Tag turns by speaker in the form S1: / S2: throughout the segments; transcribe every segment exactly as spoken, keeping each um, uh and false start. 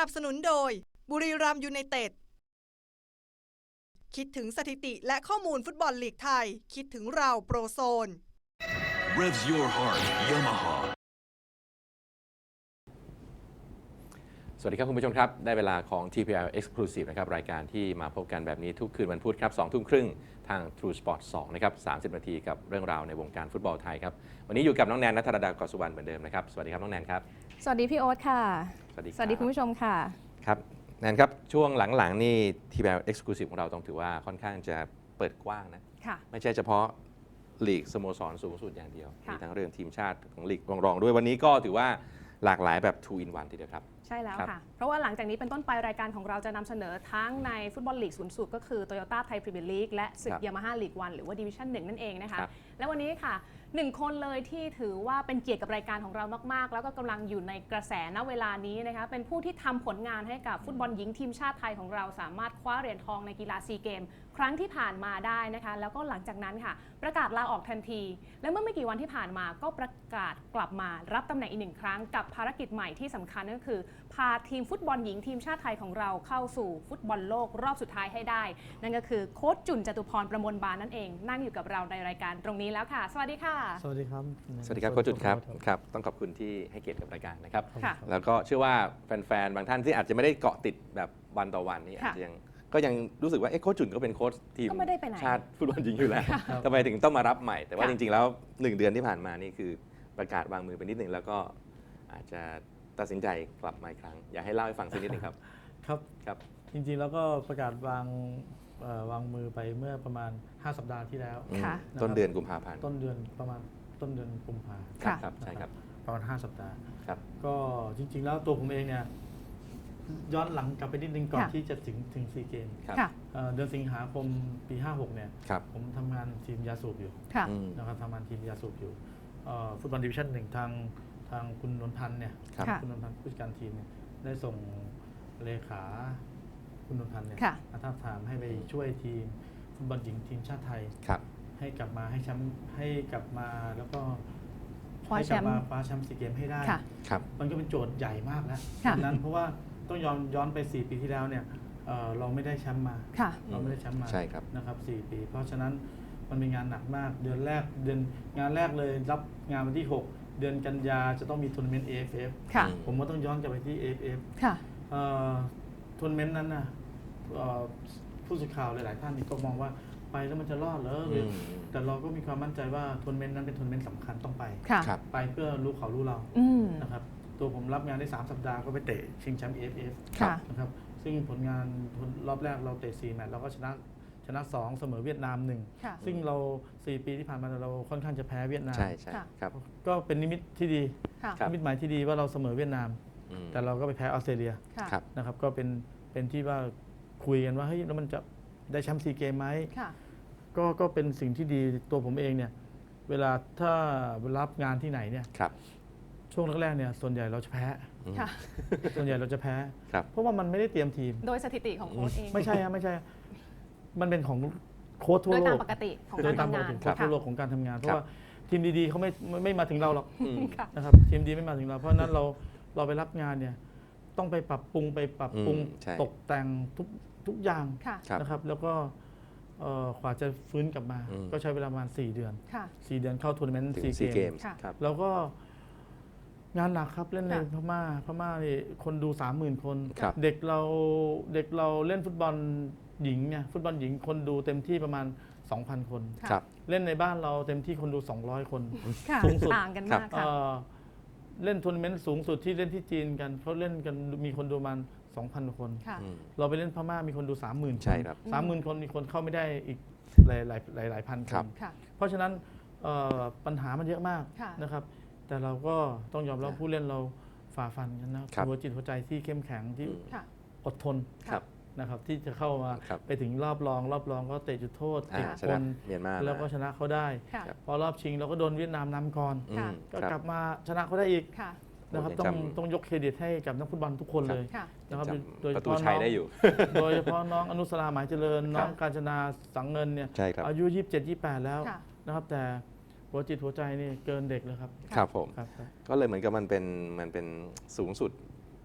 S1: นับสนุนโดยบุรีรัมย์ยูไนเต็ดคิดถึงสถิติและข้อมูลฟุตบอลลีกไทยคิดถึงเราโปรโซน
S2: Revs your heart Yamaha
S3: สวัสดีครับคุณผู้ชมครับได้เวลาของ ที พี แอล Exclusive นะครับรายการที่มาพบกันแบบนี้ทุกคืนวันพุธครับสองทุ่มครึ่งทาง True Sport สองนะครับสามสิบนาทีกับเรื่องราวในวงการฟุตบอลไทยครับวันนี้อยู่กับน้องแนนณัฐรดากรสุวรรณเหมือนเดิมนะครับสวัสดีครับน้องแนนครับ
S4: สวัสดีพี่โอ๊ตค่ะ
S3: สวัสดี
S4: สวัสดีคุณผู้ชมค่ะ
S3: ครับแนนครับช่วงหลังๆนี่ ที พี แอล Exclusive ของเราต้องถือว่าค่อนข้างจะเปิดกว้างนะไม่ใช่เฉพาะลีกสโมสรสูงสุดอย่างเดียวมีทั้งเรื่องทีมชาติของลีกรองๆด้วยวันนี้ก็ถือว่าหลากหลายแบบ two in one ทีเดียวครับ
S4: ใช่แล้วค่ะเพราะว่าหลังจากนี้เป็นต้นไปรายการของเราจะนำเสนอทั้งในฟุตบอลลีกสูงสุดก็คือ Toyota Thai Premier League และศึก Yamaha League วันหรือว่า Division หนึ่งนั่นเองนะคะและวันนี้ค่ะหนึ่งคนเลยที่ถือว่าเป็นเกียรติกับรายการของเรามากๆแล้วก็กำลังอยู่ในกระแสณเวลานี้นะคะเป็นผู้ที่ทำผลงานให้กับฟุตบอลหญิงทีมชาติไทยของเราสามารถคว้าเหรียญทองในกีฬาซีเกมครั้งที่ผ่านมาได้นะคะแล้วก็หลังจากนั้นค่ะประกาศลาออกทันทีและเมื่อไม่กี่วันที่ผ่านมาก็ประกาศกลับมารับตำแหน่งอีกหนึ่งครั้งกับภารกิจใหม่ที่สำคัญก็คือพาทีมฟุตบอลหญิงทีมชาติไทยของเราเข้าสู่ฟุตบอลโลกรอบสุดท้ายให้ได้นั่นก็คือโค้ชจุนจตุพรประมวลบานนั่นเองนั่งอยู่กับเราในรายการตรงนี้แล้วค่ะสวัสดีค่ะ
S5: สวัสดีครับ
S3: สวัสดีครับโค้ชจุนครับครับต้องขอบคุณที่ให้เกียรติกับรายการนะครับแล้วก็เชื่อว่าแฟนๆบางท่านที่อาจจะไม่ได้เกาะติดแบบวันต่อวันนี่อาจจะยังก็ยังรู้สึกว่าเอ๊ะโค้ชจุนก็เป็นโค้ชทีมชาติฟุตบอลหญิงอยู่แล้วทำไมถึงต้องมารับใหม่แต่ว่าจริงๆแล้วหนึ่งเดือนที่ผ่านมานี่คือประกาศวางมือไปนิดหนึ่งแล้วก็อาจจะตัดสินใจกลับมาอีกครั้งอยากให้เล่าให้ฟังสักนิดนึงครับ
S5: ครับ
S3: ครับ
S5: จริงๆแล้วก็ประกาศวางวางมือไปเมื่อประมาณห้าสัปดาห์ที่แล้ว
S3: ต้นเดือนกุมภาพันธ์
S5: ต้นเดือนประมาณต้นเดือนกุมภาพันธ์
S3: ครับใช่ครับ
S5: ประมาณห้าสัปดาห์
S3: ครับ
S5: ก็จริงๆแล้วตัวผมเองเนี่ยย้อนหลังกลับไปนิดนึงก่อนที่จะถึงถึงซีเกมเดือนสิงหาคมปีห้าหกเนี่ยผมทำงานทีมยาสูบอยู่นะครับทำงานทีมยาสูบอยู่ฟุตบอลดิวิชั่นหนึ่งทางทางคุณนนพันธ์เนี่ยคุณนนพันธ์ผู้จัดการทีมเนี่ยได้ส่งเลขาคุณนนพันธ์เนี่ยมาท้าทามให้ไปช่วยทีมฟุตบอลหญิงทีมชาติไทยให้กลับมาให้แชมป์ให้กลับมาแล้วก็ให้กลับมาคว้าแชมป์ซีเกมให้ได้มันก็เป็นโจทย์ใหญ่มากแล้วนั้นเพราะว่าต้องย้อนย้อนไปสี่ปีที่แล้วเนี่ยเราไม่ได้แชมป์มาเราไม่ได้แชมป์มานะครับสี่ปีเพราะฉะนั้นมันเป็นงานหนักมากเดือนแรกเดือนงานแรกเลยรับงานวันที่หกเดือนกันยาจะต้องมีทัวร์นาเมนต์ เอ เอฟ เอฟ ผมก็ต้องย้อนกลับไปที่ เอ เอฟ เอฟ ทัวร์นาเมนต์นั้นนะผู้สื่อข่าวหลายๆท่านก็มองว่าไปแล้วมันจะรอดเหรอแต่เราก็มีความมั่นใจว่าทัวร์นาเมนต์นั้นเป็นทัวร์นาเมนต์สำคัญต้องไปไปเพื่อรู้เขารู้เรานะครับตัวผมรับงานได้สามสัปดาห์ก็ไปเตะชิงแชมป์ เอ เอฟ เอฟ นะครับซึ่งผลงานรอบแรกเราเตะสี่แมตช์เราก็ชนะชนะสองเสมอเวียดนามหนึ่งซึ่งเราสี่ปีที่ผ่านมาเราค่อนข้างจะแพ้เวียดนาม
S3: ใช่ใช่ครับ
S5: ก็เป็นนิมิตที่ดีนิมิตหมายที่ดีว่าเราเสมอเวียดนามแต่เราก็ไปแพ้ออสเตรเลียนะครับก็เป็นเป็นที่ว่าคุยกันว่าเฮ้ยแล้วมันจะได้แชมป์ซีเกมไหมก็ก็เป็นสิ่งที่ดีตัวผมเองเนี่ยเวลาถ้ารับงานที่ไหนเนี่ยช่วงแรกๆเนี่ยส่วนใหญ่เราจะแพ้ส่วนใหญ่เราจะแพ้เพราะว่ามันไม่ได้เตรียมทีม
S4: โดยสถิติของโค้ชเอง
S5: ไม่ใช่ไม่ใช่มันเป็นของโค้ชทั่วโลก
S4: โดยตามปกติของการทำงาน
S5: โค้ชทั่วโลกของการทำงานเพราะว่าทีมดีๆเขาไม่ไม่มาถึงเราหรอกนะครับทีมดีไม่มาถึงเราเพราะนั้นเราเราไปรับงานเนี่ยต้องไปปรับปรุงไปปรับปรุงตกแต่งทุกทุกอย่างนะครับแล้วก็กว่าจะฟื้นกลับมาก็ใช้เวลาประมาณสี่เดือนสี่เดือนเข้าทัวร์นาเมนต์ซีเกมแล้วก็งานหนักครับเล่นในพม่าพม่านี่คนดู สามหมื่น คนเด็กเราเด็กเราเล่นฟุตบอลหญิงเนี่ยฟุตบอลหญิงคนดูเต็มที่ประมาณ สองพัน คนเล่นในบ้านเราเต็มที่คนดูสองร้อยคน
S4: สูงสุดต่างกันมากค่ะ
S5: เล่นทัวร์นาเมนต์สูงสุดที่เล่นที่จีนกันเขาเล่นกันมีคนดูประมาณ สองพัน คนเราไปเล่นพม่ามีคนดู สามหมื่น คน สามหมื่น คนมีคนเข้าไม่ได้อีกหลายหลายหลายหลายพันคนเพราะฉะนั้นปัญหามันเยอะมากนะครับแต่เราก็ต้องยอมรับผู้เล่นเราฝ่าฟันกันนะหัวจิตหัวใจที่เข้มแข็งที่อดทนนะครับที่จะเข้ามาไปถึงรอบรองรอบรองก็เตะจุดโทษติดคนแล้วก็ชนะเขาได้พอรอบชิงเราก็โดนเวียดนามนำก่อนก็กลับมาชนะเขาได้อีกนะครับต้องต้องยกเครดิตให้กับนักฟุตบอลทุกคนเลยนะครับ
S3: โดยเฉพาะน้อง
S5: โดยเฉพาะน้องอนุสราหมายเจริญน้องกาญจนาสังเงินเนี่ยอายุยี่สิบเจ็ด ยี่สิบแปดแล้วนะครับแต่หัวจิตหัวใจนี่เกินเด็กเลยครับ
S3: ครับผมก็เลยเหมือนกับมันเป็นมันเป็นสูงสุด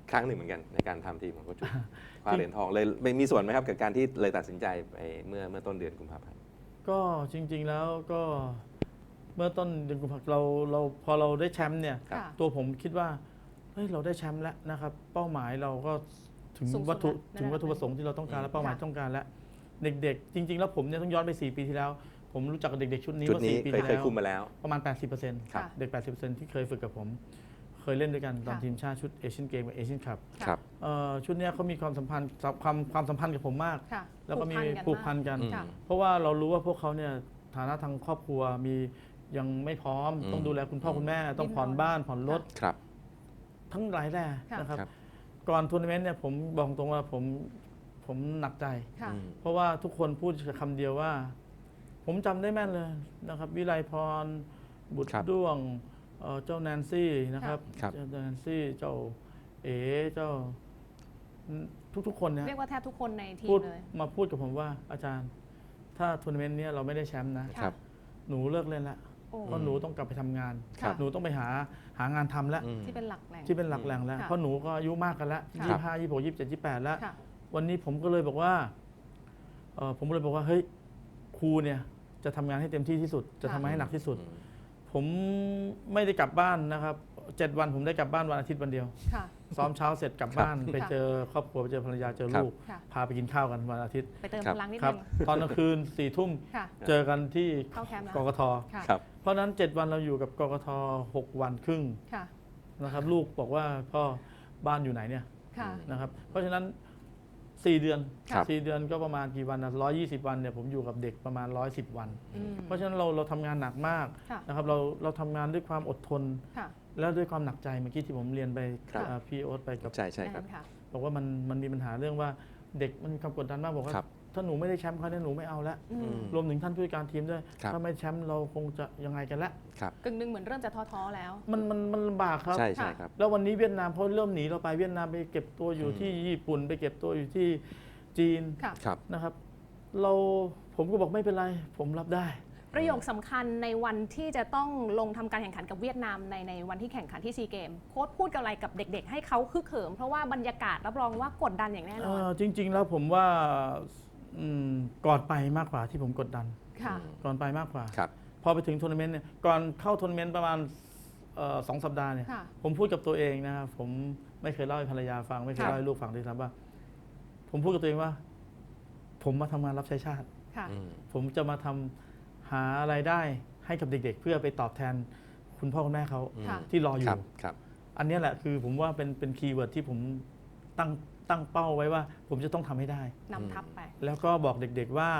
S3: ครั้งหนึ่งเหมือนกันในการทำทีมของโค้ชจุนคว้าเหรียญทองเลยมีส่วนไหมครับกับการที่เลยตัดสินใจไปเมื่อเมื่อต้นเดือนกุมภาพันธ์
S5: ก็จริง ๆแล้วก็เมื่อต้นเดือนกุมภาพันธ์เราเราพอเราได้แชมป์เนี่ย
S4: ค่ะ
S5: ตัวผมคิดว่าเฮ้ยเราได้แชมป์แล้วนะครับเป้าหมายเราก็ถึง
S4: สูงสุด
S5: วัตถุ
S4: แล้ว
S5: ถึงวัตถุประสงค์ที่เราต้องการ
S3: อืม
S5: และเป้าหมาย
S4: ค่ะ
S5: ต้องการแล้วเด็กๆ จริง ๆ แล้วผมเนี่ยต้องย้อนไปสี่ปีที่แล้ว ผมรู้จักกับเด็กๆชุดนี้
S3: ชุด
S5: ว่า
S3: นี้
S5: สี่ปี
S3: เคย
S5: ที่
S3: เคย
S5: แล้ว
S3: คุมมาแล้ว
S5: ประมาณ แปดสิบเปอร์เซ็นต์
S4: ค่ะ
S5: เด็ก แปดสิบเปอร์เซ็นต์ ที่เคยฝึกกับผม เคยเล่นด้วยกันตอน
S4: ค่ะ
S5: ทีมชาติชุดเอเชียนเกมกับเอเชียนคัพ
S3: ครับ
S5: เอ่อชุดเนี้ยเขามีความสัมพันธ์ความความสัมพันธ์กับผมมาก
S4: ค่ะ
S5: แล้วก็มี
S4: ผู
S5: ผู
S4: ก
S5: ก
S4: พั
S5: พั
S4: น
S5: น
S4: กั
S5: กัน น
S4: ค่ะ
S5: เพราะว่าเรารู้ว่าพวกเขาเนี่ยฐานะทางครอบครัวมียังไม่พร้อม
S3: อืม
S5: ต้องดูแลคุณพ่อคุณแม่ ต้องผ่อนบ้านผ่อนรถ
S3: ครับ
S5: ทั้งหลายแหล่
S4: ค่ะ
S5: นะครับ
S3: ครับ
S5: ก่อนทัวร์นาเมนต์เนี่ยผมบอกตรงว่าผมผมหนักใจ
S4: ค่ะ
S3: อืม
S5: เพราะว่าทุกคนพูดคำเดียวว่า ผมจำได้แม่นเลยนะครับ วิไลพร บุตร
S3: ครับ
S5: ด้วงเอ่อเจ้าแนนซี่นะครับ
S3: ครับ
S5: เจ้าแนนซี่เจ้าเอ๋เจ้าทุกๆคนเนี่ย
S4: เรียกว่าแทบทุกคนในที
S5: พู
S4: ม
S5: ด
S4: เลย
S5: มาพูดกับผมว่าอาจารย์ ถ้าทัวร์นาเมนต์เนี้ยเราไม่ได้แชมป์นะ
S4: ค่ะ
S3: ครับ
S5: หนูเลิกเล่นละ
S4: โอ้
S5: เพราะหนูต้องกลับไปทำงาน
S4: ค่ะ
S5: หนูต้องไปหาหางานทำแล้ว
S3: อืม
S4: ที่เป็นหลักแหล่ง
S5: ที่เป็นหลักแหล่งแล้ว
S4: ค่ะ
S5: เพราะหนูก็อายุมากกันแล้ว
S4: ค่ะ
S5: ยี่สิบห้ายี่สิบหกยี่สิบเจ็ดยี่สิบแปดแล้ว
S4: ค่ะ
S5: วันนี้ผมก็เลยบอกว่าเอ่อผมเลยบอกว่าเฮ้ยครูเนี่ยจะทำงานให้เต็มที่ที่สุด จะทำงานให้หนักที่สุด
S3: อืม
S5: ผมไม่ได้กลับบ้านนะครับเจ็ดวันผมได้กลับบ้านวันอาทิตย์วันเดียว
S4: ค่ะ
S5: ซ้อมเช้าเสร็จกลับบ้าน ไปเจอครอบครัวไปเจอภรรยาเจอลูก
S4: ค่ะ
S5: พาไปกินข้าวกันวันอาทิตย์
S4: ไปเติม
S3: ครับ
S4: พลังนิด
S5: ครั
S4: นึ
S5: บ
S4: ง
S5: ตอนกลางคืนสี่ทุ่ม
S4: ค่ะ
S5: เจอกันที่
S4: เข้าแคมป์แล้ว
S5: กกท
S4: ค่ะ
S3: ครับ
S5: เพราะฉะนั้นเจ็ดวันเราอยู่กับกกทหกวันครึ่ง
S4: ค่ะ
S5: นะครับ ลูกบอกว่าพ่อบ้านอยู่ไหนเนี่ย
S4: ค่ะ
S5: นะครับ เพราะฉะนั้นสี่เดือน
S3: ครับ
S5: สี่เดือนก็ประมาณกี่วันนะร้อยยี่สิบวันเนี่ยผมอยู่กับเด็กประมาณร้อยสิบวัน
S4: อืม
S5: เพราะฉะนั้นเราเราทำงานหนักมาก
S4: ค่ะ
S5: นะครับเราเราทำงานด้วยความอดทน
S4: ค่ะ
S5: แล้วด้วยความหนักใจเมื่อกี้ที่ผมเรียนไป
S3: ครับ
S5: อ่าพี่โอ๊ตไปกับ
S3: ใช่ใช่ครับ
S4: ค่ะ
S5: บอกว่ามันมันมีปัญหาเรื่องว่าเด็กมันมีความกดดันมากบอกว่า
S3: ครับ
S5: ถ้าหนูไม่ได้แชมป์เขาเนี่ยหนูไม่เอาละ
S4: อืม
S5: รวมถึงท่านผู้จัดการทีมด้วย
S3: ครับ
S5: ถ้าไม่แชมป์เราคงจะยังไงกันละ
S3: ครับ
S4: กึ่งหนึ่งเหมือนเริ่มจะท้อๆแล้ว
S5: มันมันมันลำบากครับ
S3: ใช่ใช่ครับ
S5: แล้ววันนี้เวียดนามเขาเริ่มหนีเราไปเวียดนามไปเก็บตัวอยู่
S3: อืม
S5: ที่ญี่ปุ่นไปเก็บตัวอยู่ที่จีน
S4: ค่ะ
S3: ครับ
S5: นะครับ เราผมก็บอกไม่เป็นไร ผมรับได้
S4: ประโยคสำคัญในวันที่จะต้องลงทำการแข่งขันกับเวียดนามในในวันที่แข่งขันที่ซีเกมโค้ชพูดกับอะไรกับเด็ก ๆ ให้เขาคึกเขิมเพราะว่าบรรยากาศรับรองว่ากดดันอย่างแน่นอน
S5: เอ่อจริง ๆ แล้วผมว่าอืมก่อนไปมากกว่าที่ผมกดดัน
S4: ค่ะ
S5: ก่อนไปมากกว่า
S3: ครับ
S5: พอไปถึงทัวร์นาเมนต์เนี่ยก่อนเข้าทัวร์นาเมนต์ประมาณเอ่อสองสัปดาห์เนี่ย
S4: ค่ะ
S5: ผมพูดกับตัวเองนะครับผมไม่เคยเล่าให้ภรรยาฟัง ไม่เคย
S4: ค่ะ
S5: เล่าให้ลูกฟังด้วยซ้ำว่า ผมพูดกับตัวเองว่า ผมมาทำงานรับใช้ชาติ
S4: ค่ะ
S3: อืม
S5: ผมจะมาทำหาไรายได้ให้กับเด็ก ๆ เพื่อไปตอบแทนคุณพ่อคุณแม่เขา
S4: ค่ะ
S5: ที่รออ
S3: ครั
S5: ยู่
S3: บครับ
S5: อันเนี้ยแหละคือผมว่าเป็นเป็นคีย์เวิร์ดที่ผมตั้งตั้งเป้าไว้ว่า ผมจะต้องทำให้ได้
S4: นำทัพไป
S5: แล้วก็บอกเด็ก ๆว่า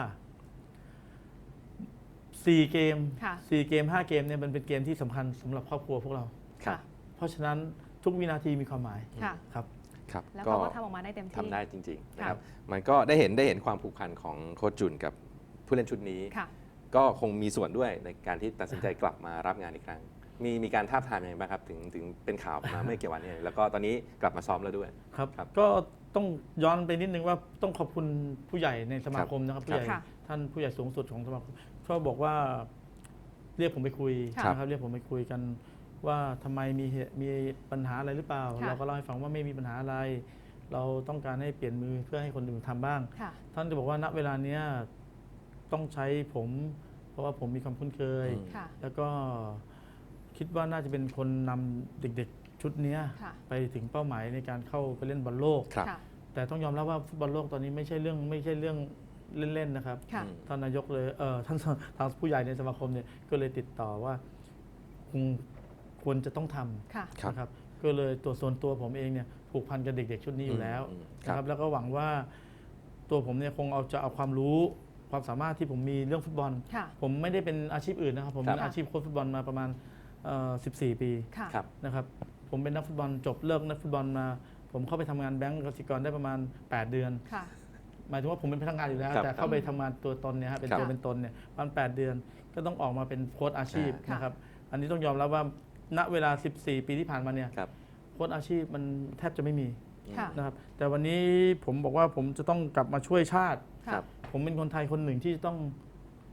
S5: สี่เกม
S4: ค่ะ
S5: สี่เกมห้าเกมเนี่ยมันเป็นเกมที่สำคัญสำหรับครอบครัวพวกเรา
S3: ครับ
S5: เพราะฉะนั้นทุกวินาทีมีความหมาย
S4: ค่ะ
S5: ครับ
S3: ครับ
S4: แล้วเขาก็ทำออกมาได้เต็มที่
S3: ทำได้จริงๆนะครับ
S4: ค่ะ
S3: มันก็ได้เห็นได้เห็นความผูกพันของโค้ชจุนกับผู้เล่นชุดนี้
S4: ค่ะ
S3: ก็คงมีส่วนด้วยในการที่ตัดสินใจกลับมารับงานอีกครั้ง มีมีการท้าบทามยังไงบ้างครับถึงถึงเป็นข่าวมาเมื่อกี่วันนี้แล้วก็ตอนนี้กลับมาซ้อมแล้วด้วย
S5: ครับ
S3: ครับ
S5: ก็ต้องย้อนไปนิดนึงว่าต้องขอบคุณผู้ใหญ่ในสมาคมนะครับผู้ใหญ่
S4: ค่ะ
S5: ท่านผู้ใหญ่สูงสุดของสมาคมเขาบอกว่าเรียกผมไปคุย
S4: ค่ะ
S5: นะครับเรียกผมไปคุยกันว่าทำไมมีเหตุมีปัญหาอะไรหรือเปล่า
S4: ค่ะ
S5: เราก็เล่าให้ฟังว่าไม่มีปัญหาอะไร เราต้องการให้เปลี่ยนมือเพื่อให้คนอื่นทำบ้าง
S4: ค่ะ
S5: ท่านจะบอกว่าณเวลาเนี้ยต้องใช้ผม เพราะว่าผมมีความคุ้นเคย
S3: อืม
S4: ค่ะ
S5: แล้วก็คิดว่าน่าจะเป็นคนนำเด็กๆชุดเนี้ย
S4: ค่ะ
S5: ไปถึงเป้าหมายในการเข้าไปเล่นบอลโลก
S3: ครับ
S4: ค่ะ
S5: แต่ต้องยอมรับว่าฟุตบอลโลกตอนนี้ไม่ใช่เรื่องไม่ใช่เรื่องเล่นๆนะครับ
S4: ค่ะ
S3: อืม
S5: ท่านนายกเลยเออท่านทางผู้ใหญ่ในสมาคมเนี่ยก็เลยติดต่อว่าคงควรจะต้องท
S4: ค่ะ
S5: ำนะครับ ก็เลยตัวส่วนตัวผมเองเนี่ยผูกพันกับเด็กๆชุดนี้อยู่แล้ว
S3: อืม
S5: นะค
S3: ครั
S5: รับ บ แล้วก็หวังว่าตัวผมเนี่ยคงเอาจะเอาความรู้ความสามารถที่ผมมีเรื่องฟุตบอล
S4: ค่ะ
S5: ผมไม่ได้เป็นอาชีพอื่นนะครับ ผมเป็น
S3: ครับ
S5: อาชีพโค้ชฟุตบอลมาประมาณเอ่อสิบสี่ ปี
S4: ค่ะ
S3: ครับ
S5: นะครับ ผมเป็นนักฟุตบอลจบเลิกนักฟุตบอลมา ผมเข้าไปทำงานแบงก์กสิกรได้ประมาณ แปด เดือน
S4: ค่ะ
S5: หมายถึงว่าผมเป็นพนักงานอยู่แล้ว
S3: ครับ
S5: แต่เข้าไปทำงานตัวตนเนี่ยฮะเป็น
S3: ครับ
S5: ตัวเป็นตนเนี่ยประมาณแปดเดือน ก็ต้องออกมาเป็นโค้ชอาชีพ
S4: ค่ะ
S5: นะครับ อันนี้ต้องยอมรับว่าณเวลา สิบสี่ ปีที่ผ่านมาเนี่ย
S3: ครับ
S5: โค้ชอาชีพมันแทบจะไม่มี
S4: ค่ะ
S5: นะครับ แต่วันนี้ผมบอกว่าผมจะต้องกลับมาช่วยชาติ
S3: ครับ
S5: ผมเป็นคนไทยคนหนึ่งที่ต้อง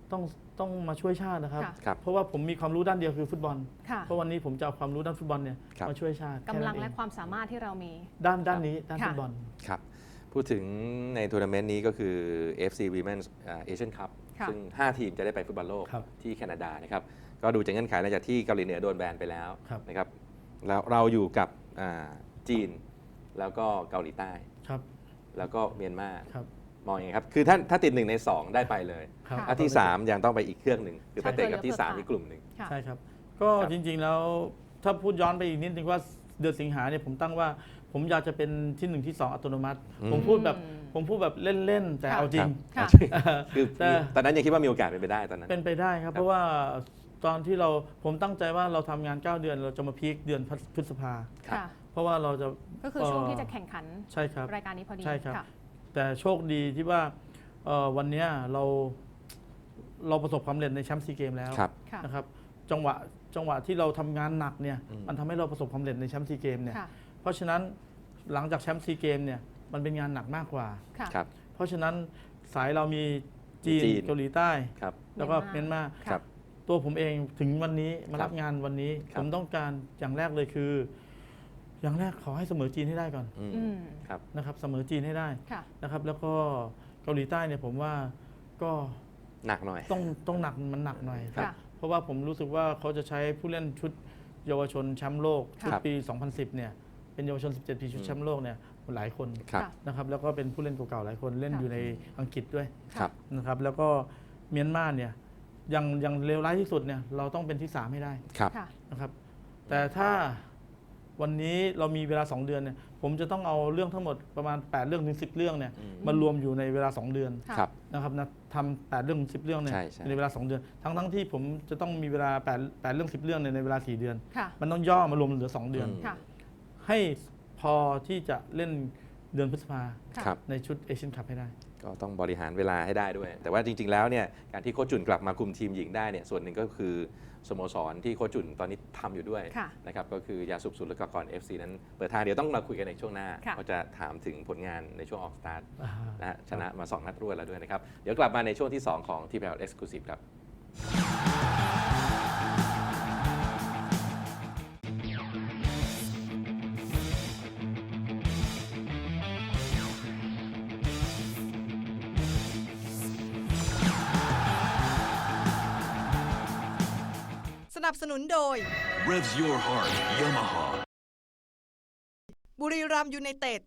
S5: ต้องต้องมาช่วยชาตินะครับ
S4: ค่ะ
S3: ครับ
S5: เพราะว่าผมมีความรู้ด้านเดียวคือฟุตบอล
S4: ค่ะ
S5: เพราะวันนี้ผมจะเอาความรู้ด้านฟุตบอลเนี่ย
S3: ครับ
S5: มาช่วยชาติ
S4: กำลัง
S5: แค่นั้นเอ
S4: และความสามารถที่เรามี
S5: ด้านด้านนี้ด้าน
S4: ค่ะ
S5: ฟุตบอล
S3: ครับ พูดถึงในทัวร์นาเมนต์นี้ก็คือ เอฟ ซี Women's อ่า Asian Cup
S4: ค่ะ
S3: ซึ่ง ห้า ทีมจะได้ไปฟุตบอลโลก
S5: ครับ
S3: ที่แคนาดานะครับ ก็ดูจากเงื่อนไขหลังจากที่เกาหลีเหนือโดนแบนไปแล้ว
S5: ครับ
S3: นะครับแล้วเราอยู่กับอ่าจีน แล้วก็เกาหลีใต้
S5: ครับ
S3: แล้วก็เมียนมา
S5: ครับ
S3: มองยังไงครับ คือถ้าถ้าติดหนึ่งในสองได้ไปเลย
S5: ครับ
S3: ถ้าที่ สาม ยังต้องไปอีกเครื่องหนึ่งคือไป
S4: ใช่
S3: เตะกับที่
S4: เพื่อ
S3: สาม
S4: เพื่อ
S3: อีกกลุ่มหนึ่ง
S4: ค่ะ
S5: ใช่ครับ ก็
S3: ครับ
S5: จริงๆแล้วถ้าพูดย้อนไปอีกนิดนึงว่าเดือนสิงหาเนี่ยผมตั้งว่าผมอยากจะเป็นที่หนึ่งที่สองอัตโนมัติ
S3: อืม
S5: ผมพูดแบบ
S4: อืม
S5: ผมพูดแบบเล่นๆแต่
S4: ค่ะ
S5: เอาจริง
S4: ค่ะ
S3: คือ
S5: แต่
S3: ตอนนั้นยังคิดว่ามีโอกาสเป็นไปได้ตอนนั้น
S5: เป็นไปได้ครับ เพราะว่าตอนที่เราผมตั้งใจว่าเราทำงาน เก้า เดือนเราจะมาพีคเดือนพฤษภา
S3: ครับ
S4: ค่ะ
S5: เพราะว่าเราจะ
S4: ก็คือช่วงที่จะแข่งขัน
S5: ใช่ครับ
S4: รายการนี้พอดี
S5: ใช่ครับ
S4: ค่ะ
S5: แต่โชคดีที่ว่าเอ่อวันเนี้ยเราเราประสบความสำเร็จในแชมป์ซีเกมแล้ว
S3: ครับ
S4: ค่ะ
S5: นะครับจังหวะจังหวะที่เราทำงานหนักเนี่ย
S3: อืม
S5: มันทำให้เราประสบความสำเร็จในแชมป์ซีเกมเนี่ย
S4: ค่ะ
S5: เพราะฉะนั้นหลังจากแชมป์ซีเกมเนี่ยมันเป็นงานหนักมากกว่า
S4: ค่ะ
S3: ครับ
S5: เพราะฉะนั้นสายเรามีจีน
S3: จีน
S5: เกาหลีใต้
S3: ครับ
S5: แล้วก็
S4: เมี
S5: เมี
S4: ย
S5: ย
S4: น
S5: น
S4: มา
S5: มา
S3: ครับ
S5: ตัวผมเองถึงวันนี้มา
S3: ครั
S5: รั
S3: บบ
S5: งานวันนี้
S3: ครับ
S5: ผมต้องการอย่างแรกเลยคือ อย่างแรกขอให้เสมอจีนให้ได้ก่อน
S3: อืม
S4: อืม
S3: ครับ
S5: นะครับเสมอจีนให้ได้
S4: ค่ะ
S5: นะครับ แล้วก็เกาหลีใต้เนี่ยผมว่าก็
S3: หนักหน่อย
S5: ต้องต้องหนักมันหนักหน่อย
S3: ครับ
S4: ค่ะ
S5: เพราะว่าผมรู้สึกว่าเขาจะใช้ผู้เล่นชุดเยาวชนแชมป์โลกชุด
S3: ครับ
S5: ปี สองพันสิบ เนี่ยเป็นเยาวชน สิบเจ็ด ปีชุดแชมป์โลกเนี่ยหลายคน
S3: ครับ
S4: ค่ะ
S5: นะครับแล้วก็เป็นผู้เล่นเก่าๆหลายคนเล่น
S4: ค่ะ
S5: อยู่ในอังกฤษด้วย
S3: ครับ
S5: นะครับแล้วก็เมียนมาเนี่ยยังยังเลวร้ายที่สุดเนี่ยเราต้องเป็นที่สามให้ได้
S3: ครับ
S4: ค่ะ
S5: นะครับแต่ถ้าวันนี้เรามีเวลา สอง เดือนเนี่ยผมจะต้องเอาเรื่องทั้งหมดประมาณ แปด เรื่องถึง สิบ เรื่องเนี่ย
S3: อืม
S5: มารวมอยู่ในเวลา สอง เดือน
S4: ค่ะ
S3: ครับ
S5: นะครับนะทำแปดเรื่องสิบเรื่องเนี่ย
S3: ใช่ใช่
S5: ในเวลา สอง เดือน ทั้งทั้งที่ผมจะต้องมีเวลาแปด แปดเรื่องสิบเรื่องในในเวลา สี่ เดือน
S4: ค่ะ
S5: มันต้องย่อมารวมเหลือ สอง เดือน
S3: อืม
S4: ค่ะ
S5: ให้พอที่จะเล่นเดือนพฤษภา
S4: ค่ะ
S3: ครับ
S5: ในชุดเอเชียนคัพให้ได้
S3: ก็ต้องบริหารเวลาให้ได้ด้วย แต่ว่าจริง ๆ แล้วเนี่ยการที่โค้ชจุนกลับมาคุมทีมหญิงได้เนี่ยส่วนหนึ่งก็คือสโมสรที่โค้ชจุนตอนนี้ทำอยู่ด้วย
S4: ค่ะ
S3: นะครับก็คือยาสูบสุลกากร เอฟ ซี นั้นเปิดทางเดี๋ยวต้องมาคุยกันในช่วงหน้า
S4: ค่ะ
S3: ก็จะถามถึงผลงานในช่วงออกสตาร์ท
S5: อ่า
S3: นะฮะชนะมาสองนัดรวดแล้วด้วยนะครับ เดี๋ยวกลับมาในช่วงที่สองของ ที พี แอล Exclusive ครับ
S1: สนับสนุนโดย
S2: Revs your heart, Yamaha.
S1: บุรีรัมย์ยูไนเต็ด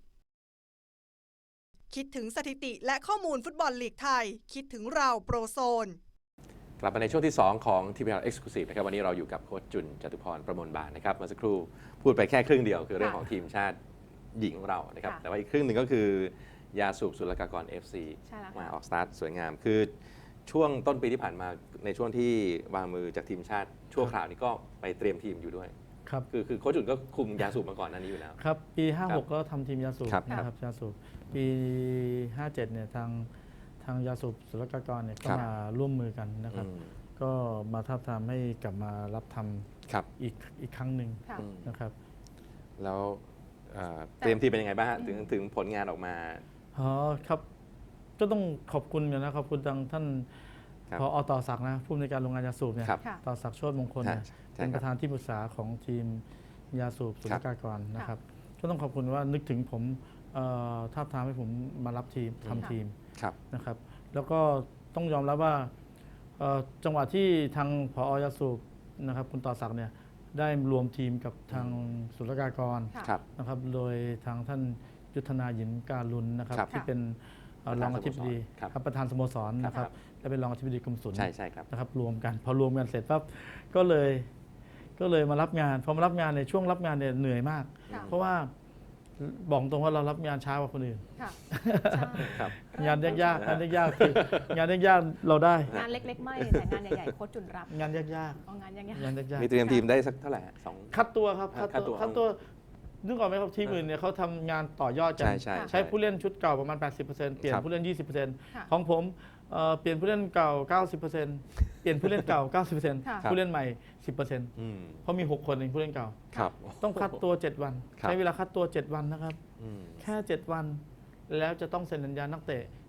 S1: คิดถึงสถิติและข้อมูลฟุตบอลลีกไทย คิดถึงเราโปรโซน
S3: กลับมาในช่วงที่ สอง ของ ที พี แอล Exclusive นะครับวันนี้เราอยู่กับโค้ชจุนจตุพรประมวลบานนะครับเมื่อสักครู่พูดไปแค่ครึ่งเดียวคือเรื่องของทีมชาติหญิงของเรานะครับ
S4: ค่ะ
S3: แต่ว่าอีกครึ่งหนึ่งก็คือยาสูบสุลกากร เอฟ ซี
S4: ใช่แล้ว
S3: มา
S4: ค่ะ
S3: ออกสตาร์ทสวยงาม คือช่วงต้นปีที่ผ่านมาในช่วงที่วางมือจากทีมชาติชั่วคราวนี้ก็ไปเตรียมทีมอยู่ด้วย
S5: ครับ
S3: คือคือโค้ชจุนก็คุมยาสูบมาก่อนหน้านี้อยู่แล้ว
S5: ครับ ปี ห้า
S3: ครั
S5: หก
S3: บ
S5: ก็ทำทีมยาสูบ
S3: ครับ
S5: นะครับยาสูบปี ห้าเจ็ดเนี่ยทางทางยาสูบศุลกากรเนี่ยก็
S3: ครับ
S5: มาร่วมมือกันนะครับ
S3: อืม
S5: ก็มาท้าบทามให้กลับมารับท
S3: ครับ
S5: ำอีกอีกครั้งหนึ่ง
S4: ค่ะ
S3: อืม
S5: นะครับ
S3: แล้วเอ่อเตรียมทีมเป็นยังไงบ้างฮะถึงถึงผลงานออกมา
S5: อ๋อครับก็ต้องขอบคุณกันนะขอบคุณทางท่าน
S3: ครับ
S5: พอต่อศักดิ์นะผู้อำนวยการโรงงานยาสูบเนี่ย
S3: ครับ
S4: ค่ะ
S5: ต่อศักดิ์โชติมงคลเนี่ย
S3: ใช่
S5: เป็น
S3: ค
S5: ป
S3: รับ
S5: ระธานที่ปรึกษาของทีมยาสูบศุลกากรนะครับก็ต้องขอบคุณว่านึกถึงผมเอ่อท้าบทามให้ผมมารับทีมทำทีม
S3: ครับ
S5: นะครับแล้วก็ต้องยอมรับว่าเอ่อจังหวะที่ทางผอยาสูบนะครับคุณต่อศักดิ์เนี่ยได้รวมทีมกับทางศุลกากร
S4: ค่ะ
S3: ครับ
S5: นะครับโดยทางท่านยุทธนาหยินการุณนะครับ
S3: ครับ
S5: ที่เป็นเอ่อรองอธิบดี
S3: ครับ
S5: ครับประธานสโมสรนะค
S3: ครั
S5: รับบ และเป็นรองอธิบดีกรมศุล
S3: ใช่ใช่ครับ
S5: นะครับรวมกันพอรวมกันเสร็จปั๊บก็เลยก็เลยมารับงานพอมารับงานในยช่วงรับงานเนี่ยเหนื่อยมาก
S4: ค่ะ
S5: เพราะว่าบอกตรงว่าเรารับงานช้ากว่าคนอื่น
S4: ค่ะใช่
S3: ครับ
S5: งานยากๆงานยากๆคืองานยากๆเราได้
S4: งานเล็กๆ ไม่แต่งานใหญ่ๆโค้ชจุนรับ
S5: งานยาก
S4: เอางานยังไง
S5: ๆงานยาก
S3: มีเตรียมทีมได้สักเท่าไหร่ฮะสอง
S5: ๆคัดตัวครับ
S3: คั
S5: คั
S3: ด
S5: ด
S3: ตั
S5: ตัว วคัดตัวนึกออกไหมครับทีมอื่นเนี่ยเขาทำงานต่อยอดกั
S3: ใช่ใช่
S5: ใช้ผู้เล่นชุดเก่าประมาณ แปดสิบเปอร์เซ็นต์ เปลี่ยน
S3: ครับ
S5: ผู้เล่น ยี่สิบเปอร์เซ็นต์
S4: ค่ะ
S5: ของผมเอ่อเปลี่ยนผู้เล่นเก่า เก้าสิบเปอร์เซ็นต์ เปลี่ยนผู้เล่นเก่า เก้าสิบเปอร์เซ็นต์
S4: ค่ะ
S5: ผู้เล่นใหม่ สิบเปอร์เซ็นต์
S3: อืม
S5: เพราะมี หก คนเองผู้เล่นเก่า
S3: ครับ
S5: ต้องคัดตัว เจ็ด วัน
S3: ครับ
S5: ใช้เวลาคัดตัว เจ็ด วันนะครับ
S3: อืม
S5: แค่ เจ็ด วัน แล้วจะต้องเซ็นสัญญานักเตะ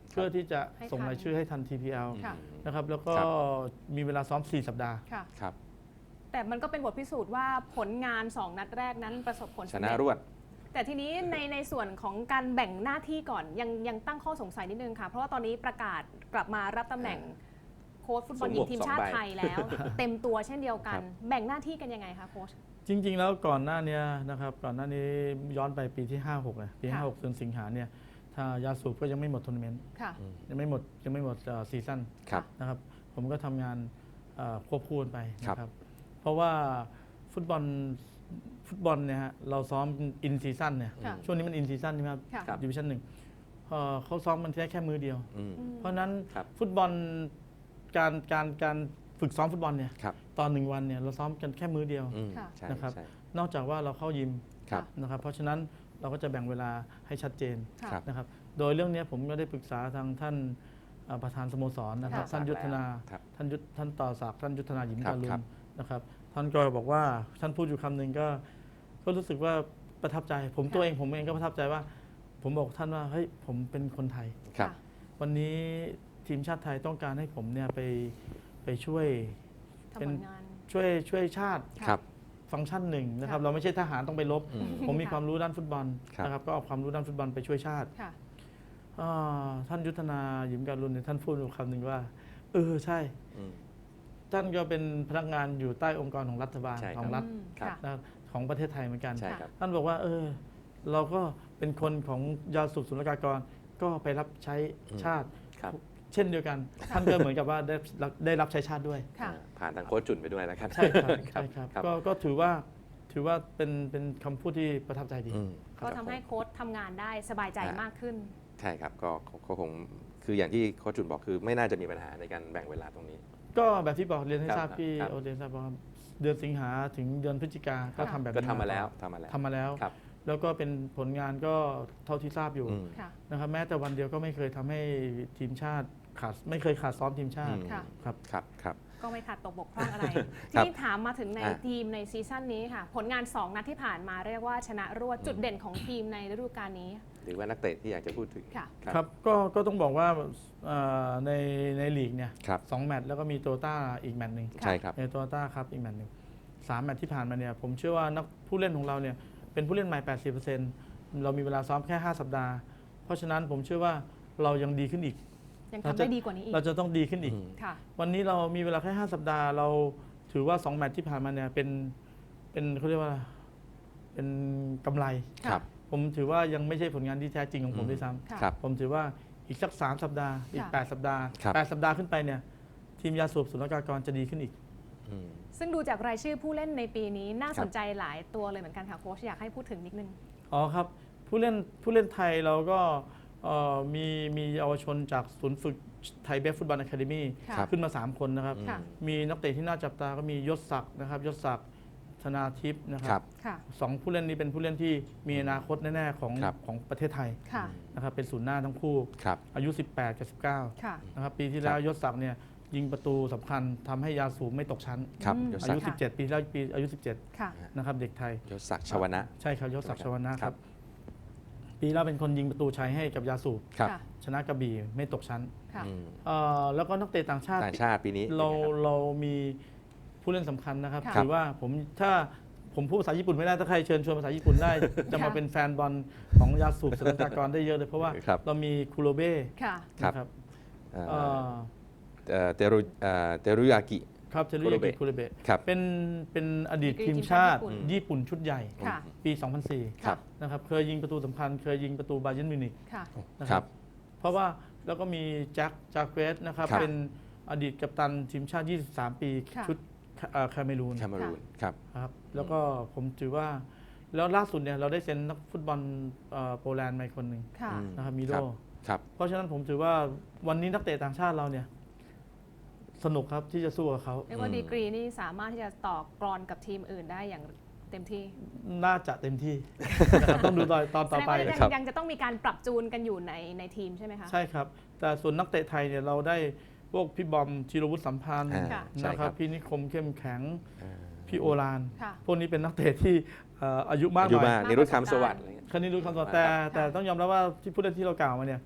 S5: เพื่อที่จะ
S4: ให้ทัน
S5: ส่งรายชื่อให้ทัน ที พี แอล
S4: ค่ะ
S5: นะครับแล้วก็
S3: ครับ
S5: มีเวลาซ้อม สี่ สัปดาห์
S4: ค่ะ
S3: ครับ
S4: แต่มันก็เป็นบทพิสูจน์ว่าผลงาน สอง นัดแรกนั้นประสบผล
S3: ช
S4: สำ
S3: นะ
S4: เร็จ
S3: รวด
S4: แต่ทีนี้ในในส่วนของการแบ่งหน้าที่ก่อนยังยังตั้งข้อสงสัยนิดนึงค่ะ เพราะว่าตอนนี้ประกาศกลับมารับตำแหน่งโค้ชฟุตบอลหญิงทีมชาติไทยแล้ว เต็มตัวเช่นเดียวกัน
S3: ครับ
S4: แบ่งหน้าที่กันยังไงคะโค้ช
S5: จริง ๆ แล้วก่อนหน้าเนี้ยนะครับก่อนหน้านี้ย้อนไปปีที่ ห้าหกเลยปี
S4: ค่ะ
S5: ห้าหกเดือนสิงหาเนี่ยถ้ายาสูบก็ยังไม่หมดทัวร์นาเมนต์
S4: ค่ะ
S5: ยังไม่หมดยังไม่หมดซีซั่น
S3: ครับ
S5: นะครับผมก็ทำงานเอ่อควบคู่กันไป
S3: ครับ
S5: นะครับเพราะว่าฟุตบอลฟุตบอลเนี่ยฮะเราซ้อมอินซีซั่นเนี่ย
S4: ค่ะ
S5: ช่วงนี้มันอินซีซั่นใช่ไหมครับ
S4: ค่ะ
S3: ครับ
S5: ดิวิชั่นหนึ่งเอ่อเขาซ้อมมันแค่แค่มือเดียว
S3: อืม
S4: อืม
S5: เพราะฉะนั้น
S3: ครับ
S5: ฟุตบอลการการการฝึกซ้อมฟุตบอลเนี่ย
S3: ครับ
S5: ตอนหนึ่งวันเนี่ยเราซ้อมกันแค่มือเดียว
S3: อืม
S4: ค่ะ
S3: ใช่
S5: นะครับ
S3: ใช่
S5: นอกจากว่าเราเข้ายิม
S3: ครับ
S5: นะครับเพราะฉะนั้นเราก็จะแบ่งเวลาให้ชัดเจน
S4: ค่ะ
S3: ครับ
S5: นะครับโดยเรื่องนี้ผมก็ได้ปรึกษาทางท่านเอ่อประธานสโมสรนะครับ
S4: ค่ะ
S5: ท่านยุทธนา
S3: ครับ
S5: ท่านยุทธท่านต่อศักดิ์ท่านยุทธนาหยิม
S3: ครับ
S5: การุ
S3: ครั
S5: ณ
S3: บ
S5: นะครับท่านก็บอกว่าท่านพูดอยู่คำหนึ่งก็ก็รู้สึกว่าประทับใจ ผมตัวเองผมเองก็ประทับใจว่า ผมบอกท่านว่าเฮ้ยผมเป็นคนไทย
S3: ครับ
S5: วันนี้ทีมชาติไทยต้องการให้ผมเนี่ยไปไปช่วย
S4: ทำ
S5: เป็น
S4: ผลงาน
S5: ช่วยช่วยชาติ
S3: ครับ
S5: ฟังก์ชันหนึ่งนะครับ
S4: ค่ะ
S5: เราไม่ใช่ทหารต้องไปรบ
S3: อืม
S5: ผมมี
S4: ค่ะ
S5: ความรู้ด้านฟุตบอล
S3: ครับ
S5: นะครับก็เอาความรู้ด้านฟุตบอลไปช่วยชาติ
S4: ค่ะ
S5: อ่าท่านยุทธนาหยิมการุณเนี่ยท่านพูดอยู่คำหนึ่งว่า เออใช่
S3: อืม
S5: ท่านก็เป็นพนักงานอยู่ใต้องค์กรของรัฐบาล
S3: ใช่ครับ
S5: ของรัฐ
S4: อืม
S3: ครับ
S4: ค่ะ
S5: นะของประเทศไทยเหมือนกัน
S3: ใช่ครับ
S5: ท่านบอกว่า เออ เราก็เป็นคนของยาสูบศุลกากรก็ไปรับใช้ชาติ
S3: ครับ
S5: เช่นเดียวกัน ท่านก็เหมือนกับว่าได้รับได้รับใช้ชาติด้วย
S4: ค่ะ
S3: ผ่านทางโค้ชจุนไปด้วยแล้วครับ
S5: ใช่ครับใช่ครับ
S3: ครับ
S5: ก็ก็ถือว่าถือว่าเป็นเป็นคำพูดที่ประทับใจดี
S3: อืม
S4: ก็ทำให้โค้ชทำงานได้สบายใจ
S3: อ่าม
S4: มากขึ้น
S3: ใช่ครับก็ก็ก็คงคืออย่างที่โค้ชจุนบอกคือไม่น่าจะมีปัญหาในการแบ่งเวลาตรงนี้
S5: ก็แบบที่บอกเรียนให้
S3: ครับ
S5: ทราบพี่
S3: ครับ
S5: โอเรียนทราบว่าเดือนสิงหาถึงเดือนพฤศจิกาก็
S4: ค่ะ
S5: ทำแบบนี้
S3: ก็ทำมาแล้ว
S5: ก่อน
S3: ทำมาแล้ว
S5: ทำมาแล้ว
S3: ครับ
S5: แล้วก็เป็นผลงานก็เท่าที่ทราบอยู่
S3: อืม
S4: ค่ะ
S5: นะครับแม้แต่วันเดียวก็ไม่เคยทำให้ทีมชาติขาดไม่เคยขาดซ้อมทีมชาติ
S3: อืม
S4: ค่ะ
S5: ครับ
S3: ครับครับ
S4: ก็ไม่ขาดตกบกพร่องอะไร ที
S3: ครับ
S4: นี้ถามมาถึงใน
S3: อ่ะ
S4: ทีมในซีซั่นนี้ค่ะ ผลงาน สอง นัดที่ผ่านมาเรียกว่าชนะรวดจุดเด่นของทีมในฤดูกาลนี้
S3: หรือว่านักเตะที่อยากจะพูดถึง
S4: ค่ะ
S5: ครับก็ก็ต้องบอกว่าเอ่อในในลีกเนี่ย
S3: ครับ
S5: สองแมตช์แล้วก็มีโตต้าอีกแมตช์หนึ่ง
S3: ใช่ครับ
S5: ในโตต้าครับอีกแมตช์หนึ่งสามแมตช์ที่ผ่านมาเนี่ยผมเชื่อว่านักผู้เล่นของเราเนี่ยเป็นผู้เล่นใหม่ แปดสิบเปอร์เซ็นต์ เรามีเวลาซ้อมแค่ ห้า สัปดาห์ เพราะฉะนั้นผมเชื่อว่าเรายังดีขึ้นอีก
S4: ยังทำได้ดีกว่านี้อีก
S5: เราจะต้องดีขึ้นอีก
S3: อืม
S4: ค่ะ
S5: วันนี้เรามีเวลาแค่ ห้า สัปดาห์ เราถือว่า สอง แมตช์ที่ผ่านมาเนี่ยเป็นเป็นเขาเรียกว่าเป็นกำไร
S3: ครับ
S5: ผมถือว่ายังไม่ใช่ผลงานที่แท้จริงของผม
S3: อืม
S5: ด้วยซ้
S4: ค่ะ
S3: ครับ
S5: ำผมถือว่าอีกสัก สาม สัปดาห์ อีก
S4: ค่ะ
S5: แปด สัปดาห์
S3: ครับ
S5: แปด สัปดาห์ขึ้นไปเนี่ยทีมยาสูบศุลกากรจะดีขึ้นอีก
S3: อืม
S4: ซึ่งดูจากรายชื่อผู้เล่นในปีนี้น่า
S3: ครับ
S4: สนใจหลายตัวเลยเหมือนกันค่ะโค้ชอยากให้พูดถึงนิดนึง
S5: อ๋อครับ ผู้เล่นผู้เล่นไทยเราก็เอ่อมีมีเยาวชนจากศูนย์ฝึกไทยเบฟฟุตบอลอะคาเดมี่
S4: ค่ะ
S3: ครับ
S5: ขึ้นมา สาม คนนะครับ
S3: อืม
S4: ค่ะ
S5: มีนักเตะที่น่าจับตาก็มียศศักดิ์นะครับยศศักดิ์ธนาทิพย์นะค
S3: ครั
S5: รับ
S3: บ
S4: ค่ะ
S5: สองผู้เล่นนี้เป็นผู้เล่นที่มีอนาคตแน่ๆของ
S3: ครับ
S5: ของประเทศไทย
S4: ค่ะ
S5: นะครับเป็นศูนย์หน้าทั้งคู่
S3: ครับ
S5: อายุ สิบแปด กับ สิบเก้า
S4: ค่ะ
S5: นะครับปีที่แล้วยศศักดิ์เนี่ยยิงประตูสำคัญทำให้ยาสูบไม่ตกชั้น
S3: ครับ
S4: อืม
S3: ยศ
S5: อา
S3: ศัก
S5: ยุ
S3: ดิ์
S5: สิบเจ็ด ปีที่แล้วปีอายุ สิบเจ็ด
S4: ค่ะ
S5: นะครับเด็กไทย
S3: ยศศักดิ์ชวนะ
S5: ใช่ครับยศศักดิ์ชวนะค
S3: ครั
S5: รับ
S3: บ
S5: ปีแล้วเป็นคนยิงประตูชัยให้กับยาสูบ
S3: ครับ
S4: ค่ะ
S5: ชนะกระบี่ไม่ตกชั้น
S4: ค่ะ
S3: อืม
S5: เอ่อแล้วก็นักเตะต่างชาติ
S3: ต่างชาติปีนี้
S5: เรา
S3: ป็นไงคบ
S5: เรามีผู้เล่นสำคัญนะครับ
S4: ค่ะ
S5: ถือว่าผมถ้าผมพูดภาษาญี่ปุ่นไม่ได้ถ้าใครเชิญชวนภาษาญี่ปุ่นได้ จะมา
S4: ค่ะ
S5: เป็นแฟนบอลของยาสูบศุลกากรได้เยอะเลยเพราะว่า
S3: ครับ
S5: เรามีคูโรเบ้
S4: ค่ะ
S3: ครับ
S5: นะครับ
S3: เอ่อ
S5: เอ่อ
S3: เอ่อเตรุเอ่อเตรุยากิ
S5: ครับเทรุ
S3: คูโร
S5: ยา
S3: เบะ
S5: กิคูโรเบะ
S3: ครับ
S5: เป็นเป็นอดีต
S4: ดีกรี
S5: ทีมชาติ
S4: ทีมชาติ
S5: ญี่ปุ่นชุดใหญ่
S4: ค่ะ
S5: ปี สองพันสี่
S3: ครับ
S5: นะครับเคยยิงประตูสำคัญ เคยยิงประตูบาเยิร์นมิวนิก
S4: ค่ะ
S5: นะ
S3: ค
S5: ค
S3: รั
S5: รับ บ เพราะว่าแล้วก็มีแจ็คจากเวสนะครับ
S3: ครับ
S5: เป็นอดีตกัปตันทีมชาติ ยี่สิบสาม ปี
S4: ค่ะ
S5: ชุดเอ่อแคาเมรูน
S3: แคมารูนครับ
S5: ครับแล้วก็ผมถือว่า แล้วล่าสุดเนี่ยเราได้เซ็นนักฟุตบอลเอ่อโปแลนด์มาอีกคนหนึ่ง
S4: ค่ะ
S3: อืม
S5: นะครับมิโด
S3: ครับ ครับ
S5: เพราะฉะนั้นผมถือว่าวันนี้นักเตะต่างชาติเราเนี่ยสนุกครับที่จะสู้กับเขา
S4: เรียกว่า
S3: อืม
S4: ดีกรีนี่สามารถที่จะต่อกรอนกับทีมอื่นได้อย่างเต็มที่
S5: น่าจะเต็มที่ นะครับต้องดูตอนตอน
S4: แส
S5: ต่อ
S4: ดง
S5: ไป
S4: ว่ายัง
S3: ครับ
S4: ยังจะต้องมีการปรับจูนกันอยู่ในในทีมใช่ไหมคะ
S5: ใช่ครับ แต่ส่วนนักเตะไทยเนี่ยเราได้พวกพี่บอมธีรวุฒิสัมพันธ์
S3: อ่า
S4: ค่ะ
S3: ใช่
S5: นะค
S3: ค
S5: รั
S3: รั
S5: บบ พี่นิคมเข้มแข็ง
S3: อ่า
S5: พี่โอราน
S4: ค่ะ
S5: พวกนี้เป็นนักเตะที่เอ่ออายุมาก
S3: อา
S5: ห
S3: ยุ
S5: น่อย
S3: มากนิรุตคำสวัสดิ์อะไรเงี้ย
S5: คณิตรู้คำตอบแต่
S4: ค่ะ
S5: แต่ต้องยอมรับว่าที่ผู้เล่นที่เรากล่าวมาเนี่ย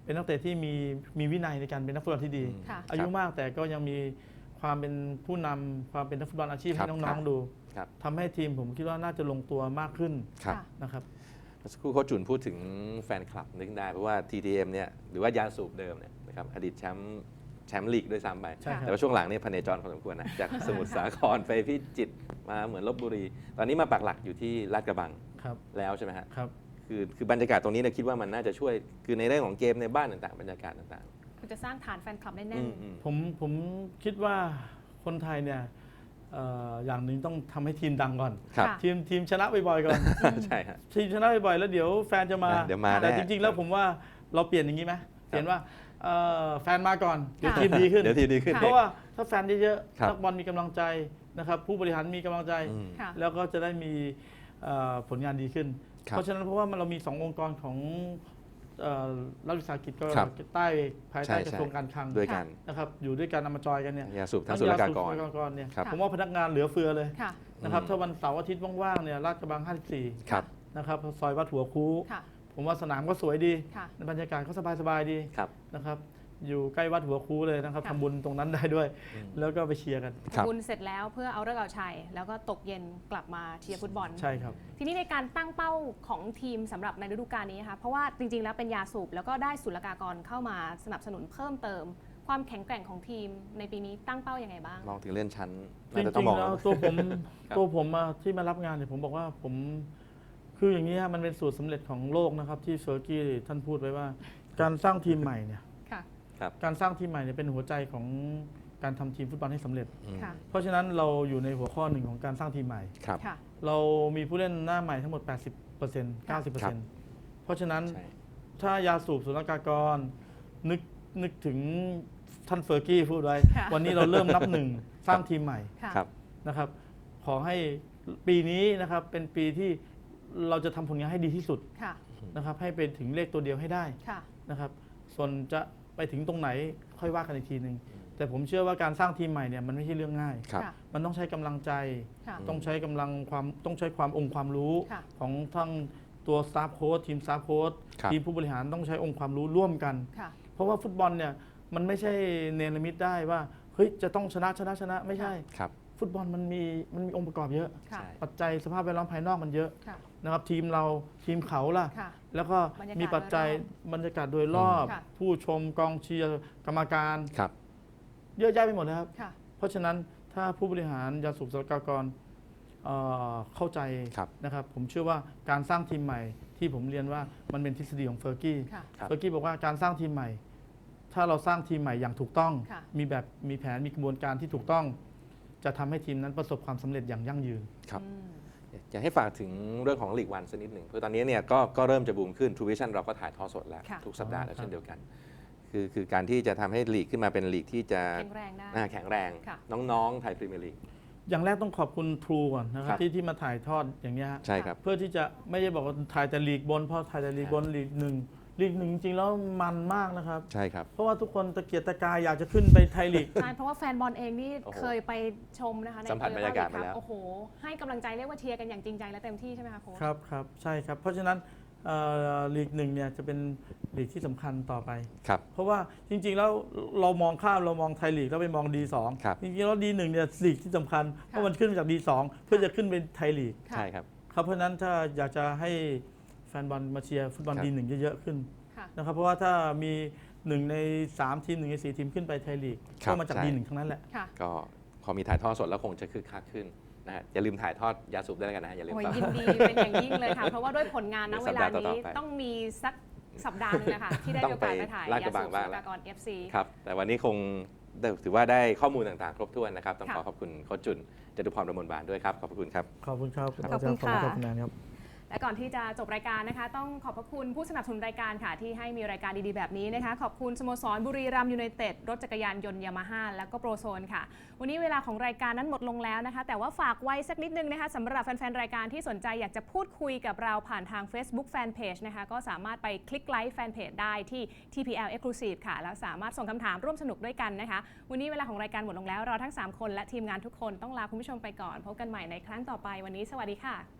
S5: เป็นนักเตะที่มีมีวินัยในการเป็นนักฟุตบอลที่ดี
S4: ค่ะ
S5: อายุมากแต่ก็ยังมีความเป็นผู้นำความเป็นนักฟุตบอลอาชีพ
S3: ครั
S5: ให้
S3: บ
S5: น้องๆดู
S3: ครับ
S5: ทำให้ทีมผมคิดว่าน่าจะลงตัวมากขึ้น
S3: ครับ
S4: ค่ะ
S5: นะครับ
S3: เมื่อสักครู่โค้ชจุนพูดถึงแฟนคลับนึกได้เพราะว่า ที ที เอ็ม เนี่ยหรือว่ายาสูบเดิมเนี่ยนะครับอดีตแชมป์แชมป์ลีกด้วยซ้ำไป
S5: ใช่ครับ
S3: แต่ว่าช่วงหลังเนี่ยพเนจรพอสมควรนะจากสมุทรสาครไปพิจิตรมาเหมือนลบบุรี ตอนนี้มาปักหลักอยู่ที่ลาดกระบัง
S5: ครับ
S3: แล้วใช่ไหมฮะ
S5: ครับ
S3: คือคือบรรยากาศตรงนี้เนี่ยคิดว่ามันน่าจะช่วยคือในเรื่องของเกมในบ้านต่างๆ บรรยากาศต่าง
S4: คือจะสร้างฐานแฟนคลับได้
S3: ๆ
S4: แน่
S3: อื
S4: น
S3: มอืม
S5: ผมผมคิดว่าคนไทยเนี่ยเอ่ออย่างหนึ่งต้องทำให้ทีมดังก่อน
S3: ครับ
S4: ค่ะ
S5: ทีมทีมชนะบ่อยๆก่อน
S3: ใช่ฮะ
S5: ทีมชนะบ่อยๆแล้วเดี๋ยวแฟนจะมา
S3: เดี๋ยวมา
S5: แต่
S3: แน่
S5: จริงๆ แล้วผมว่าเราเปลี่ยนอย่างนี้ไหมเปลี่ยนว่าเอ่อแฟนมาก่อนเดี๋ยว
S4: ค่ะ
S5: ทีมดีขึ้น
S3: เดี๋ยวทีมดีขึ้น
S5: เพราะว่าถ้าแฟนเยอะ
S3: ครับ
S5: ๆนักบอลมีกำลังใจนะครับผู้บริหารมีกำลังใจ
S3: อืม
S4: ค่ะ
S5: แล้วก็จะได้มีเอ่อผลงานดีขึ้น
S3: ครับ
S5: เพราะฉะนั้นเพราะว่ามันเรามีสององค์กรของเอ่อรัฐวิสาหกิจก็
S3: ครับ
S5: ใต้ภาย
S3: ใช่
S5: ใต้
S3: ใช่
S5: กระทรวงการคลัง
S3: ด้วยกัน
S5: นะครับอยู่ด้วยกันนำมาจอยกันเนี่ย
S3: ยาสูบทั้งศุลกากร
S5: ทั้งยสูบศุลกากรเนี่ย
S3: ครับ
S5: ผมว่าพนักงานเหลือเฟือเลย
S4: ค่ะ
S5: นะครับ
S3: อืม
S5: ถ้าวันเสาร์อาทิตย์ว่างๆเนี่ยลาดกระบังห้าสิบสี่
S3: ครับ
S5: นะครับซอยวัดหัวคู
S4: ค่ะ
S5: ผมว่าสนามก็สวยดี
S4: ค่ะ
S5: บรรยากาศก็สบายๆดี
S3: ครับ
S5: นะครับอยู่ใกล้วัดหัวคูเลยนะครับ
S4: ค่ะ
S5: ทำบุญตรงนั้นได้ด้วย
S3: อืม
S5: แล้วก็ไปเชียร์กัน
S3: ครับ
S4: บุญเสร็จแล้วเพื่อเอาฤกษ์เอาชัย แล้วก็ตกเย็นกลับมาเชียร์ฟุตบอล
S5: ใช่ครับ
S4: ทีนี้ในการตั้งเป้าของทีมสำหรับในฤดูกาลนี้นะคะเพราะว่าจริงๆ แล้วเป็นยาสูบแล้วก็ได้ศุลกากรเข้ามาสนับสนุนเพิ่มเติม ความแข็งแกร่งของทีมในปีนี้ตั้งเป้ายัางไงบ้าง
S3: มองถึงเลื่อนชั้น
S5: จ
S3: น่าจะต้อ
S5: ริ
S3: ง
S5: ง
S3: มอง
S5: ๆแล้ว
S3: แล้ว
S5: ตัวผม
S3: ครับ
S5: ตัวผมอะที่มารับงานเนี่ยผมบอกว่าผมคืออย่างนี้ฮะมันเป็นสูตรสำเร็จของโลกนะครับที่เฟอร์กี้ท่านพูดไว้ว่า การสร้างทีมใหม่เนี่ย
S4: ค่ะ
S5: การสร้างทีมใหม่เนี่ยเป็นหัวใจของการทำทีมฟุตบอลให้สำเร็จ
S3: อืม
S4: ค่ะ
S5: เพราะฉะนั้นเราอยู่ในหัวข้อหนึ่งของการสร้างทีมใหม่
S3: ครับ
S4: ค่ะ
S5: เรามีผู้เล่นหน้าใหม่ทั้งหมด แปดสิบเปอร์เซ็นต์ เก้าสิบเปอร์เซ็นต์ เพราะฉะนั้น
S3: ใช่
S5: ถ้ายาสูบศุลกากรนึกนึกถึงท่านเฟอร์กี้พูดไว้
S4: ค่ะ
S5: วันนี้เราเริ่มนับหนึ่งสร้างทีมใหม่
S4: ค่ะ
S3: ครับ
S5: นะครับ ขอให้ปีนี้นะครับเป็นปีที่เราจะทำผลงานให้ดีที่สุด
S4: ค่ะ
S5: นะครับให้เป็นถึงเลขตัวเดียวให้ได้
S4: ค่ะ
S5: นะครับ ส่วนจะไปถึงตรงไหนค่อยว่ากันอีกทีหนึ่งแต่ผมเชื่อว่าการสร้างทีมใหม่เนี่ยมันไม่ใช่เรื่องง่าย
S3: ครับ
S4: ค่ะ
S5: มันต้องใช้กำลังใจ
S4: ค่ะ
S5: ต้องใช้กำลังความต้องใช้ความองค์ความรู้
S4: ค่ะ
S5: ของทั้งตัวสตาฟโค้ชทีมสตาฟโค้ช
S3: ครับ
S5: ทีมผู้บริหารต้องใช้องค์ความรู้ร่วมกัน
S4: ค่ะ
S5: เพราะว่าฟุตบอลเนี่ยมันไม่ใช่เนรมิตได้ว่าเฮ้ยจะต้องชนะชนะชนะไม่ใช่
S3: ครับ
S5: ฟุตบอลมันมีมันมีองค์ประกอบเยอะ
S4: ค่ะ
S3: ใช่
S5: ปัจจัยสภาพแวดล้อมภายนอกมันเยอะ
S4: ค่ะ
S5: นะครับทีมเราทีมเขาล่ะ
S4: ค่ะ
S5: แล้วก็
S4: บรรยากาศ
S5: มีปัจจัย
S4: โดยรอบ
S5: บรรยากาศโดยรอบ
S4: ค่ะ
S5: ผู้ชมกองเชียร์กรรมการ
S3: ครับ
S5: เยอะแยะไปหมดเลยครับ
S4: ค่ะ
S5: เพราะฉะนั้นถ้าผู้บริหารยาสูบศุลกากรเอ่อเข้าใจ
S3: ครับ
S5: นะครับผมเชื่อว่าการสร้างทีมใหม่ที่ผมเรียนว่ามันเป็นทฤษฎีของเฟอร์กี้
S4: ค่ะ
S3: ครับ
S5: เฟอร์กี้บอกว่าการสร้างทีมใหม่ ถ้าเราสร้างทีมใหม่อย่างถูกต้อง
S4: ค่ะ
S5: มีแบบมีแผนมีกระบวนการที่ถูกต้อง จะทำให้ทีมนั้นประสบความสำเร็จอย่างยั่งยืน
S3: ครับ
S4: อืม
S3: อยากให้ฝากถึงเรื่องของลีกวันสักนิดหนึ่งเพราะตอนนี้เนี่ยก็ก็เริ่มจะบูมขึ้น True Vision เราก็ถ่ายทอดสดแล้ว
S4: ค่ะ
S3: ทุกสัปดาห์แล้ว
S5: ครับ
S3: เช่นเดียวกัน คือคือการที่จะทำให้ลีกขึ้นมาเป็นลีกที่จะ
S4: แข็งแรงได้
S3: อ่าแข็งแรง
S4: ค่ะ
S3: น้องๆไทยพรีเมียร์ลีก
S5: อย่างแรกต้องขอบคุณทรูก่อนนะค
S3: ค
S5: รั
S3: รั
S5: บบ ที่ที่มาถ่ายทอดอย่างนี้ยฮะ
S3: ใช่ครับ
S5: เพื่อที่จะไม่ได้บอกว่าถ่ายแต่ลีกบนเพราะถ่ายแต่ลีกบนลีกหนึ่งลีกหนึ่งจริงๆแล้วมันมากนะครับ
S3: ใช่ครับ
S5: เพราะว่าทุกคนตะเกียกตะกายอยากจะขึ้นไปไทยลีก
S4: ใช่เพราะว่าแฟนบอลเองนี่
S3: โอ้โห
S4: เคยไปชมนะคะใน
S3: สัมผัสบรรยากาศมาแล้ว
S4: โอ้โห ให้กำลังใจเรียกว่าเชียร์กันอย่างจริงใจและเต็มที่ใช่ไหมคะโค้ช
S5: ครับครับใช่ครับ เพราะฉะนั้นเอ่อลีกหนึ่งเนี่ยจะเป็นลีกที่สำคัญต่อไป
S3: ครับ
S5: เพราะว่าจริงๆแล้วเรามองข้ามเรามองไทยลีกแล้วไปมอง ดี สอง
S3: ครับ
S5: จริงๆแล้วดีหนึ่งเนี่ยลีกที่สำคัญเพราะมันขึ้นมาจาก ดี สอง เพื่อจะขึ้นเป็นไทยลีก
S4: ค่ะ
S3: ใช่ครับ
S5: ครับเพราะฉะนั้นถ้าอยากจะให้แฟนบอลมาเชียร์ฟุตบอล
S3: ครับ
S5: ดีหนึ่งเยอะๆขึ้น
S4: ค่ะ
S5: นะครับเพราะว่าถ้ามีหนึ่งในสามทีมหนึ่งในสี่ทีมขึ้นไปไทยลีก
S3: ครับ
S5: ก็มาจาก
S3: ใช่
S5: ดีหนึ่งทั้งนั้นแหละ
S4: ค่ะ
S3: ก็พอมีถ่ายทอดสดแล้วคงจะคึกคักขึ้นนะฮะอย่าลืมถ่ายทอดยาสูบด้วยแล้วกันนะฮะอย่าลืม
S4: โอ้ย
S3: ฝาก
S4: ยินดีเป็นอย่างยิ่งเลยค่ะ เพราะว่าด้วยผลงานณ
S3: เดี๋ยว
S4: เว
S3: สัป
S4: ลา
S3: ดาห์ต่
S4: นี้
S3: อๆไป
S4: ต้องมีสักสัปดาห์หนึงนะคะที่ได้
S3: ต้อ
S4: มี
S3: ง
S4: โอกาสไปถ่าย
S3: ไปลาดก
S4: ยา
S3: ระบั
S4: สู
S3: ง
S4: บ
S3: บ้าง
S4: สุ
S3: แล้ว
S4: ลกากร เอฟ ซี
S3: ครับ แต่วันนี้คงได้ถือว่าได้ข้อมูลต่างๆ ครบถ้วนนะครับ ต้อง
S4: ค่ะ
S3: ขอขอบคุณโค้ชจุนจตุพรประมวลบานด้วยครับ ขอบพระคุณครับ
S5: ขอบคุณครับ
S4: ขอบคุณค่ะ
S5: ขอบคุณแนนครับ
S4: และก่อนที่จะจบรายการนะคะ ต้องขอบพระคุณผู้สนับสนุนรายการค่ะ ที่ให้มีรายการดีๆแบบนี้นะคะ ขอบคุณสโมสรบุรีรัมย์ยูไนเต็ดรถจักรยานยนต์ยามาฮ่าแล้วก็โปรโซนค่ะ วันนี้เวลาของรายการนั้นหมดลงแล้วนะคะ แต่ว่าฝากไว้สักนิดนึงนะคะสำหรับแฟนๆรายการที่สนใจอยากจะพูดคุยกับเราผ่านทาง Facebook Fanpage นะคะก็สามารถไปคลิกไลค์แฟนเพจได้ที่ ที พี แอล Exclusive ค่ะแล้วสามารถส่งคำถามร่วมสนุกด้วยกันนะคะ วันนี้เวลาของรายการหมดลงแล้วเราทั้งสามคนและทีมงานทุกคนต้องลาคุณผู้ชมไปก่อนพบกันใหม่ในครั้งต่อไปวันนี้สวัสดีค่ะ